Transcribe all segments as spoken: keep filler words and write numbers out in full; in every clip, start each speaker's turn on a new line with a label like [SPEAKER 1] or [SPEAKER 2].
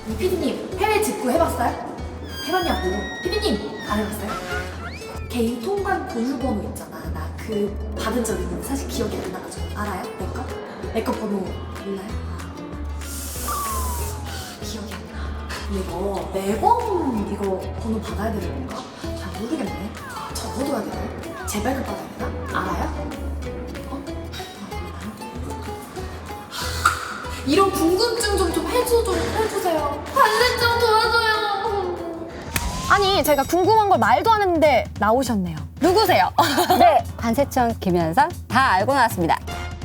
[SPEAKER 1] 이 피디님 해외 직구 해봤어요? 해봤냐고. 피디님 안 해봤어요? 개인 통관 보유번호 있잖아. 나 그 받은 적 있는데 사실 기억이 안 나가지고. 알아요? 내 거? 내 거 번호 몰라요? 아, 기억이 안 나. 이거 매번 이거 번호 받아야 되는 건가? 잘 모르겠네. 아, 적어둬야 되나? 재발급 받아야 되나? 알아요? 어? 아, 몰라요? 하, 이런 궁금증 좀, 좀 해줘, 좀 해주세요. 반대쪽 도와줘요.
[SPEAKER 2] 아니, 제가 궁금한 걸 말도 안 했는데 나오셨네요. 누구세요?
[SPEAKER 3] 네, 관세청 김현선 다 알고 나왔습니다.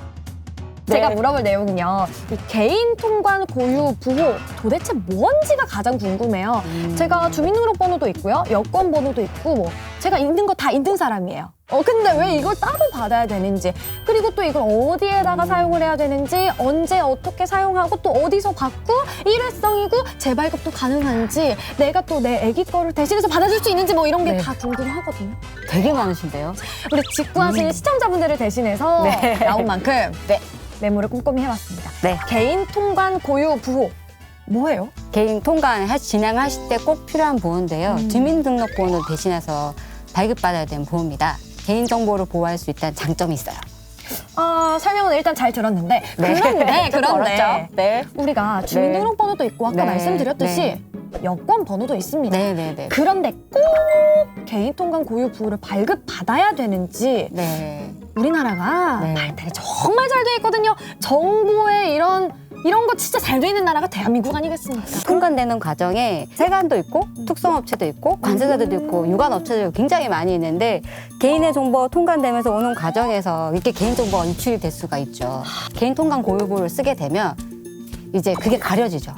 [SPEAKER 2] 제가
[SPEAKER 3] 네.
[SPEAKER 2] 물어볼 내용은요. 이 개인 통관 고유 부호 도대체 뭔지가 가장 궁금해요.
[SPEAKER 3] 음.
[SPEAKER 2] 제가 주민등록번호도 있고요. 여권 번호도 있고 뭐 제가 있는 거 다 있는 사람이에요. 어 근데 왜 이걸 따로 받아야 되는지, 그리고 또 이걸 어디에다가 사용을 해야 되는지, 언제 어떻게 사용하고 또 어디서 받고, 일회성이고 재발급도 가능한지, 내가 또 내 애기 거를 대신해서 받아줄 수 있는지 뭐 이런 게
[SPEAKER 3] 네.
[SPEAKER 2] 다 궁금하거든요.
[SPEAKER 3] 되게 많으신데요.
[SPEAKER 2] 우리 직구하시는 시청자분들을 대신해서
[SPEAKER 3] 네.
[SPEAKER 2] 나온 만큼
[SPEAKER 3] 네.
[SPEAKER 2] 메모를 꼼꼼히 해왔습니다.
[SPEAKER 3] 네.
[SPEAKER 2] 개인 통관 고유 부호 뭐예요?
[SPEAKER 3] 개인 통관 하- 진행하실 때 꼭 필요한 보호인데요.
[SPEAKER 2] 음.
[SPEAKER 3] 주민등록번호 대신해서 발급받아야 되는 보호입니다. 개인정보를 보호할 수 있다는 장점이 있어요.
[SPEAKER 2] 아, 설명은 일단 잘 들었는데 그런데
[SPEAKER 3] 좀
[SPEAKER 2] 그런데
[SPEAKER 3] 어렵죠? 네.
[SPEAKER 2] 우리가 주민등록번호도 있고 아까
[SPEAKER 3] 네.
[SPEAKER 2] 말씀드렸듯이 여권 번호도 있습니다.
[SPEAKER 3] 네네네.
[SPEAKER 2] 그런데 꼭 개인 통관 고유 부호를 발급받아야 되는지
[SPEAKER 3] 네.
[SPEAKER 2] 우리나라가
[SPEAKER 3] 네.
[SPEAKER 2] 발달이 정말 잘 돼 있거든요. 정보에 이런 이런 거 진짜 잘 돼 있는 나라가 대한민국 아니겠습니까?
[SPEAKER 3] 통관되는 과정에 세관도 있고 특성업체도 있고 관세사들도 있고 유관업체도 굉장히 많이 있는데 개인의 정보가 통관되면서 오는 과정에서 이렇게 개인정보가 유출이 될 수가 있죠. 개인 통관 고유부를 쓰게 되면 이제 그게 가려지죠.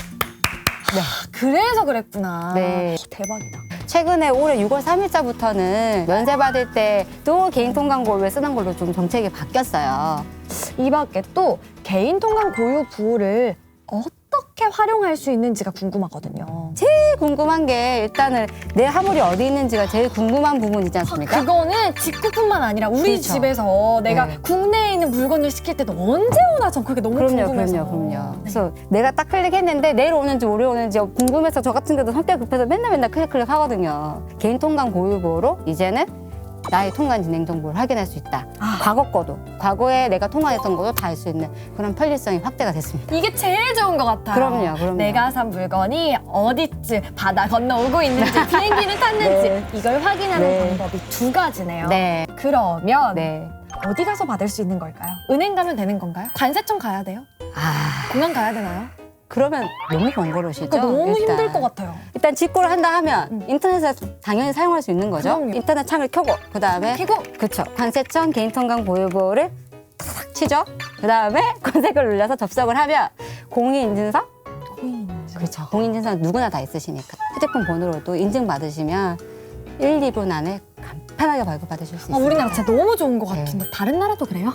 [SPEAKER 3] 네.
[SPEAKER 2] 그래서 그랬구나.
[SPEAKER 3] 네.
[SPEAKER 2] 어, 대박이다.
[SPEAKER 3] 최근에 올해 유월 삼일자부터는 면세 받을 때 또 개인 통관 고유를 쓰는 걸로 좀 정책이 바뀌었어요.
[SPEAKER 2] 이 밖에 또 개인 통관 고유 부호를 어떻게 활용할 수 있는지가 궁금하거든요.
[SPEAKER 3] 제일 궁금한 게 일단은 내 화물이 어디 있는지가 제일 궁금한 부분이지 않습니까?
[SPEAKER 2] 그거는 직구뿐만 아니라 우리
[SPEAKER 3] 그렇죠.
[SPEAKER 2] 집에서 내가
[SPEAKER 3] 네.
[SPEAKER 2] 국내에 있는 물건을 시킬 때도 언제 오나 전 그게 너무
[SPEAKER 3] 그럼요,
[SPEAKER 2] 궁금해서.
[SPEAKER 3] 그럼요, 그럼요. 그래서 내가 딱 클릭했는데 내일 오는지 모레 오는지 궁금해서 저 같은 경우도 성격 급해서 맨날 맨날 클릭 클릭 하거든요. 개인 통관 고유부로 이제는 나의 통관 진행 정보를 확인할 수 있다.
[SPEAKER 2] 아.
[SPEAKER 3] 과거 거도, 과거에 내가 통관했던 것도 다 알 수 있는 그런 편리성이 확대가 됐습니다.
[SPEAKER 2] 이게 제일 좋은 것 같아요.
[SPEAKER 3] 그럼요, 그럼요.
[SPEAKER 2] 내가 산 물건이 어디쯤 바다 건너오고 있는지 비행기를 탔는지
[SPEAKER 3] 네.
[SPEAKER 2] 이걸 확인하는
[SPEAKER 3] 네.
[SPEAKER 2] 방법이 두 가지네요.
[SPEAKER 3] 네,
[SPEAKER 2] 그러면
[SPEAKER 3] 네.
[SPEAKER 2] 어디 가서 받을 수 있는 걸까요? 은행 가면 되는 건가요? 관세청 가야 돼요?
[SPEAKER 3] 아,
[SPEAKER 2] 공항 가야 되나요?
[SPEAKER 3] 그러면 너무 번거로우시죠?
[SPEAKER 2] 그러니까 너무
[SPEAKER 3] 일단.
[SPEAKER 2] 힘들 것 같아요.
[SPEAKER 3] 일단 직구를 한다 하면
[SPEAKER 2] 음.
[SPEAKER 3] 인터넷에서 당연히 사용할 수 있는 거죠.
[SPEAKER 2] 그럼요.
[SPEAKER 3] 인터넷 창을 켜고 그 다음에
[SPEAKER 2] 켜고
[SPEAKER 3] 그쵸. 관세청 개인통관 고유부를 탁 치죠. 그 다음에 검색을 눌러서 접속을 하면 공인인증서? 그렇죠. 공인인증서 누구나 다 있으시니까 휴대폰 번호로도 인증받으시면 일, 이 분 안에 간편하게 발급받으실 수
[SPEAKER 2] 아,
[SPEAKER 3] 있습니다.
[SPEAKER 2] 우리나라 진짜 너무 좋은 것
[SPEAKER 3] 네.
[SPEAKER 2] 같은데 다른 나라도 그래요?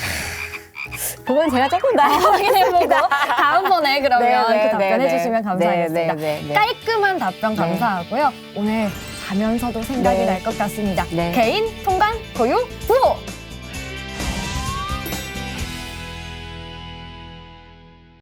[SPEAKER 3] 그건 제가 조금 더
[SPEAKER 2] 확인해보고 다음번에 그러면
[SPEAKER 3] 네, 네,
[SPEAKER 2] 그 답변
[SPEAKER 3] 네,
[SPEAKER 2] 해주시면
[SPEAKER 3] 네,
[SPEAKER 2] 감사하겠습니다.
[SPEAKER 3] 네, 네, 네.
[SPEAKER 2] 깔끔한 답변
[SPEAKER 3] 네.
[SPEAKER 2] 감사하고요. 오늘 자면서도 생각이
[SPEAKER 3] 네.
[SPEAKER 2] 날 것 같습니다.
[SPEAKER 3] 네.
[SPEAKER 2] 개인 통관 고유 부호